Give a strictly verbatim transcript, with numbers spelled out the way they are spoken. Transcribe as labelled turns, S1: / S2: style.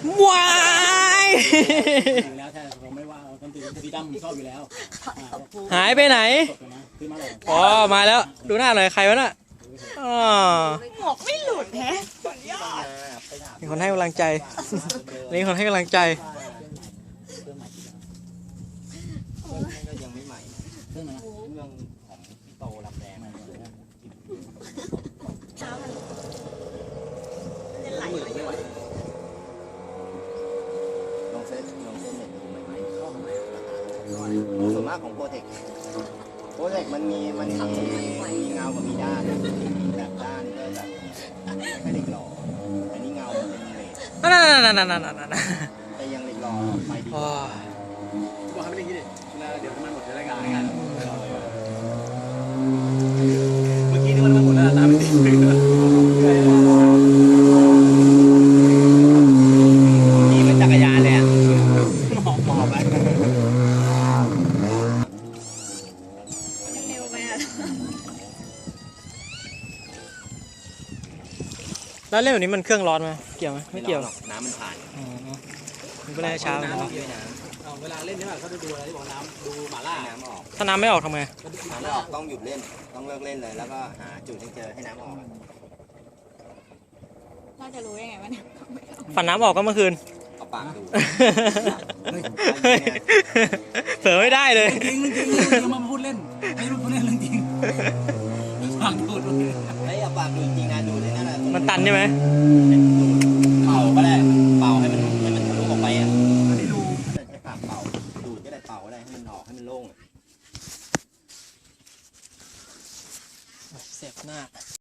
S1: ว้าย
S2: แล้วใช่ผมไม่ว่าต้นตีตีดำผมชอบอยู่แล้ว
S1: หายไปไหน
S2: ขึ้นมาเลย
S1: อ๋อมาแล้วดูหน้าหน่อยใครวะน่ะอ๋อ
S3: หมวกไม่หลุดแฮะ
S1: มีคนให้กำลังใจนี่คนให้กำลังใจ
S4: ก็ยังไม่ใหม่
S2: เครื่องไหน
S4: เรื่องของพี่โตลำแดง
S3: น้ำมันจะไหล
S4: มือ
S3: มาเย
S4: ไม่ไหว
S3: อะ
S4: ลองเซ็ตลองเซ็ตเน็ตดูใหม่ๆเข้าทำไมส่วนมากของโปรเทคโปรเทคมันมีมันมีมีเงากับมีด้านแบบด้านก็แบบแค่เหล็กหล่ออันนี้เงามันเป็นเหล็ก
S1: นั่นนั่นนั่นนั่นนั่นนั่น
S4: แต่ยังเหล็กหล่อไปดี
S1: โอ้ย
S2: บอกให้ไม่ได้ยินเลยเดี๋ยวมันหมดรายการกันเมื่อกี้นี่มันหมดแล้วตามไม่ติด
S4: นี่เป็นจักรยานเลยอ่ะ
S2: หมอบหมอบไป
S3: เร็วไปอ่ะ
S1: แล้วเล่นแบบนี้มันเครื่องร้อนไหมเกี่ยวไหมไม่เกี่ยว
S4: หรอกน้ำมันผ่าน
S1: อ๋อมันก็เลยช้า
S4: น้ำ
S1: เนาะ
S4: ด้วยนะ
S2: เวลาเล่นนี่แบบเขาจะดูอะไรที่บอกน้ำดูหมาล่า
S4: น้ำออก
S1: ถ้าน้ำไม่ออกทำไง
S4: น้ำไม่ออกต้องหยุดเล่นต้องเลิกเล่นเลยแล้วก็หาจุดให้เจอให้น้ำออก
S3: เราจะรู้ยังไงวะเนี่ย
S1: ฝันน้ำออกก็เมื่อคืน
S4: เอาปากดู
S1: เผลอไม่ได้เลย
S2: จริงจริงจริงมาพูดเล่นไม่รู้พูดเล่นเรื่องจริงฟังดูด
S4: ไอ้เอาปากดูจริงนะดูได้นั่นแหละ
S1: มันตันใช่ไหม
S4: ดู